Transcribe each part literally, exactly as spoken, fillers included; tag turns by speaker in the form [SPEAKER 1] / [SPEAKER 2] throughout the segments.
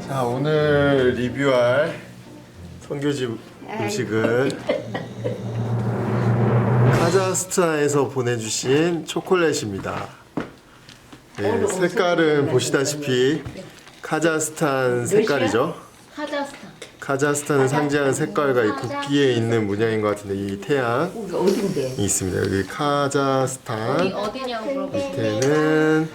[SPEAKER 1] 자, 오늘 리뷰할 성교집 음식은 카자흐스탄에서 보내주신 초콜릿입니다. 네, 색깔은 보시다시피 카자흐스탄 색깔이죠.
[SPEAKER 2] 카자흐스탄.
[SPEAKER 1] 카자흐스탄을 상징하는 색깔과 이 국기에 있는 문양인 것 같은데 이 태양이
[SPEAKER 3] 어딘데?
[SPEAKER 1] 있습니다. 여기
[SPEAKER 2] 어디
[SPEAKER 1] 카자흐스탄
[SPEAKER 2] 어디냐고 물어보시면
[SPEAKER 1] 밑에는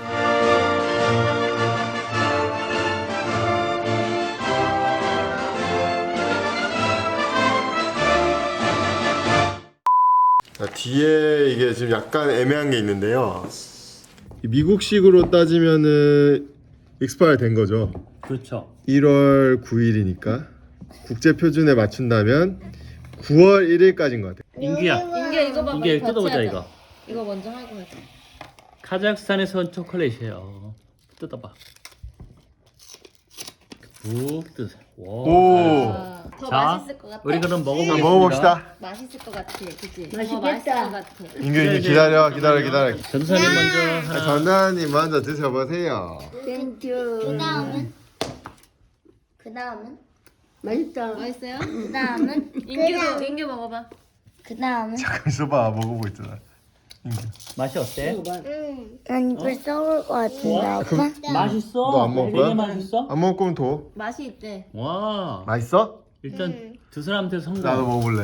[SPEAKER 1] 자, 뒤에 이게 지금 약간 애매한 게 있는데요. 미국식으로 따지면은 익스파일 된 거죠.
[SPEAKER 4] 그렇죠.
[SPEAKER 1] 일월 구일이니까 국제 표준에 맞춘다면 구월 일일까지인 것 같아요.
[SPEAKER 4] 인규야,
[SPEAKER 2] 인규야 이거 봐봐.
[SPEAKER 4] 인규야
[SPEAKER 2] 같이
[SPEAKER 4] 뜯어보자
[SPEAKER 2] 하자.
[SPEAKER 4] 이거.
[SPEAKER 2] 이거 먼저 하고 하자.
[SPEAKER 4] 카자흐스탄에서 온 초콜릿이에요. 뜯어봐. 푹 뜯어.
[SPEAKER 1] 오.
[SPEAKER 2] 아, 더
[SPEAKER 4] 자,
[SPEAKER 2] 맛있을 것 같아.
[SPEAKER 4] 우리 그럼
[SPEAKER 1] 자,
[SPEAKER 4] 먹어보겠습니다.
[SPEAKER 1] 먹어봅시다.
[SPEAKER 2] 맛있을 것 같아, 그치?
[SPEAKER 3] 맛있겠다.
[SPEAKER 2] 더 맛있을 것 같아.
[SPEAKER 1] 인규 인규 기다려 기다려 기다려.
[SPEAKER 4] 전사님 먼저 하나.
[SPEAKER 1] 전단님 먼저 드셔보세요.
[SPEAKER 3] 땡큐.
[SPEAKER 5] 그 다음은? 그 다음은?
[SPEAKER 3] 맛있다.
[SPEAKER 2] 맛있어요?
[SPEAKER 5] 그 다음은?
[SPEAKER 2] 인규도 인규 먹어봐.
[SPEAKER 5] 그 다음은?
[SPEAKER 1] 잠깐 있어봐, 먹어보고 있잖아. 인규.
[SPEAKER 4] 맛이 어때?
[SPEAKER 5] 응. 난 이걸 썩을 것 같은데, 아빠?
[SPEAKER 4] 맛있어.
[SPEAKER 1] 너안 먹을 거야?
[SPEAKER 4] 되게 맛있어.
[SPEAKER 1] 안 먹을 거면 더.
[SPEAKER 2] 맛이 있대.
[SPEAKER 4] 와.
[SPEAKER 1] 맛있어?
[SPEAKER 4] 일단 두 사람한테 성공.
[SPEAKER 1] 나도 먹어볼래.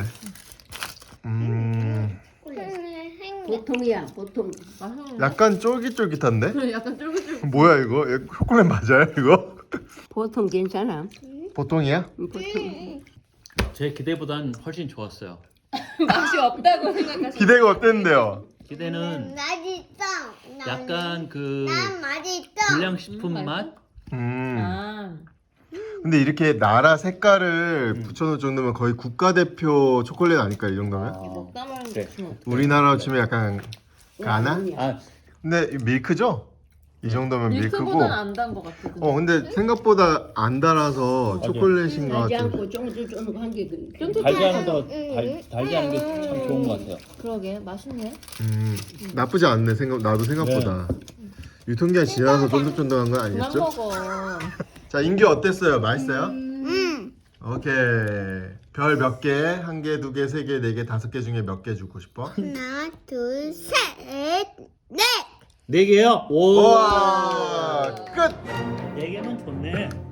[SPEAKER 1] 음,
[SPEAKER 3] 보통이야, 보통.
[SPEAKER 2] 맛있는.
[SPEAKER 1] 약간 쫄깃쫄깃한데?
[SPEAKER 2] 그래, 약간 쫄깃쫄깃.
[SPEAKER 1] 뭐야 이거? 이거 초콜릿 맞아요 이거?
[SPEAKER 3] 보통 괜찮아.
[SPEAKER 1] 보통이야?
[SPEAKER 3] 응, 보통.
[SPEAKER 4] 제 기대보단 훨씬 좋았어요.
[SPEAKER 2] 맛이 없다고 생각하시.
[SPEAKER 1] 기대가 어땠는데요?
[SPEAKER 4] 기대는
[SPEAKER 5] 맛있어.
[SPEAKER 4] 약간 그
[SPEAKER 5] 난 맛있어.
[SPEAKER 4] 불량식품 맛?
[SPEAKER 1] 음.
[SPEAKER 2] 아,
[SPEAKER 1] 근데 이렇게 나라 색깔을 붙여놓을 정도면 거의 국가대표 초콜릿 아닐까 이 정도면?
[SPEAKER 2] 먹다 말은
[SPEAKER 4] 그래.
[SPEAKER 2] 좋지.
[SPEAKER 1] 우리나라로 치면 약간 가나?
[SPEAKER 4] 아,
[SPEAKER 1] 근데 이거 밀크죠? 이 정도면 밀크고.
[SPEAKER 2] 밀크보다는 안 단 것 같아. 근데.
[SPEAKER 1] 어 근데 생각보다 안 달아서 초콜릿인 것
[SPEAKER 3] 달지
[SPEAKER 1] 같은.
[SPEAKER 3] 않고 쫑쫑쫑 한게 그.
[SPEAKER 4] 달지 않은 거 달, 달지 않은 게 참 좋은 것 같아요.
[SPEAKER 2] 그러게, 맛있네.
[SPEAKER 1] 음 나쁘지 않네 생각 나도 생각보다. 유통기한 지나서 쫀득쫀득한 건
[SPEAKER 2] 그만
[SPEAKER 1] 아니겠죠?
[SPEAKER 2] 먹어.
[SPEAKER 1] 자 인규 어땠어요? 맛있어요?
[SPEAKER 5] 응.
[SPEAKER 1] 오케이. 별 몇 개? 한 개, 두 개, 세 개, 네 개, 다섯 개 중에 몇 개 주고 싶어?
[SPEAKER 5] 하나, 둘, 셋, 넷.
[SPEAKER 4] 네 개요? 오.
[SPEAKER 1] 우와 끝!
[SPEAKER 4] 네 개면 좋네.